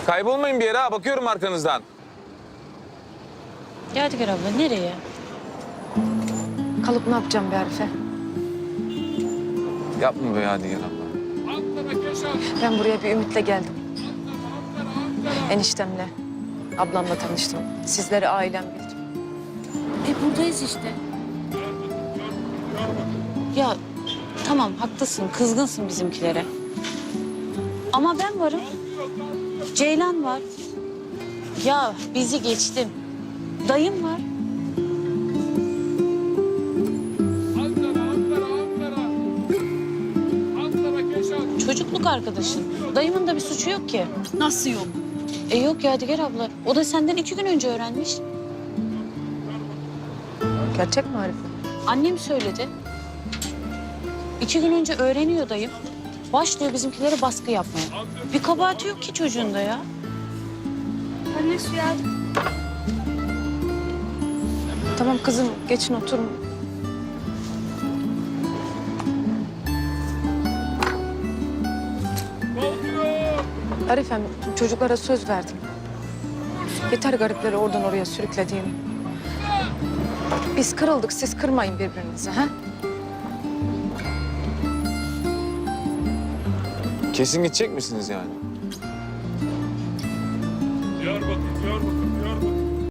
Kaybolmayın bir yere ha. Bakıyorum arkanızdan. Yadigar abla nereye? Kalıp ne yapacağım be Arife? Yapma be Yadigar abla. Ben buraya bir ümitle geldim. Eniştemle, ablamla tanıştım. Sizleri ailem bildim. Buradayız işte. Ya tamam haklısın, kızgınsın bizimkilere. Ama ben varım. Ceylan var. Ya bizi geçtim. Dayım var. Çocukluk arkadaşın. Dayımın da bir suçu yok ki. Nasıl yok? Yok Yadigar abla. O da senden 2 gün önce öğrenmiş. Gerçek mi Arife? Annem söyledi. 2 gün önce öğreniyor dayım. Başlıyor bizimkilere baskı yapmaya. Bir kabahati yok ki çocuğun da ya. Anne su yardım. Tamam kızım, geçin oturun. Arifem, çocuklara söz verdim. Yeter garipleri oradan oraya sürüklediğim. Biz kırıldık, siz kırmayın birbirinizi, ha? Kesin gidecek misiniz yani? Diyarbakır.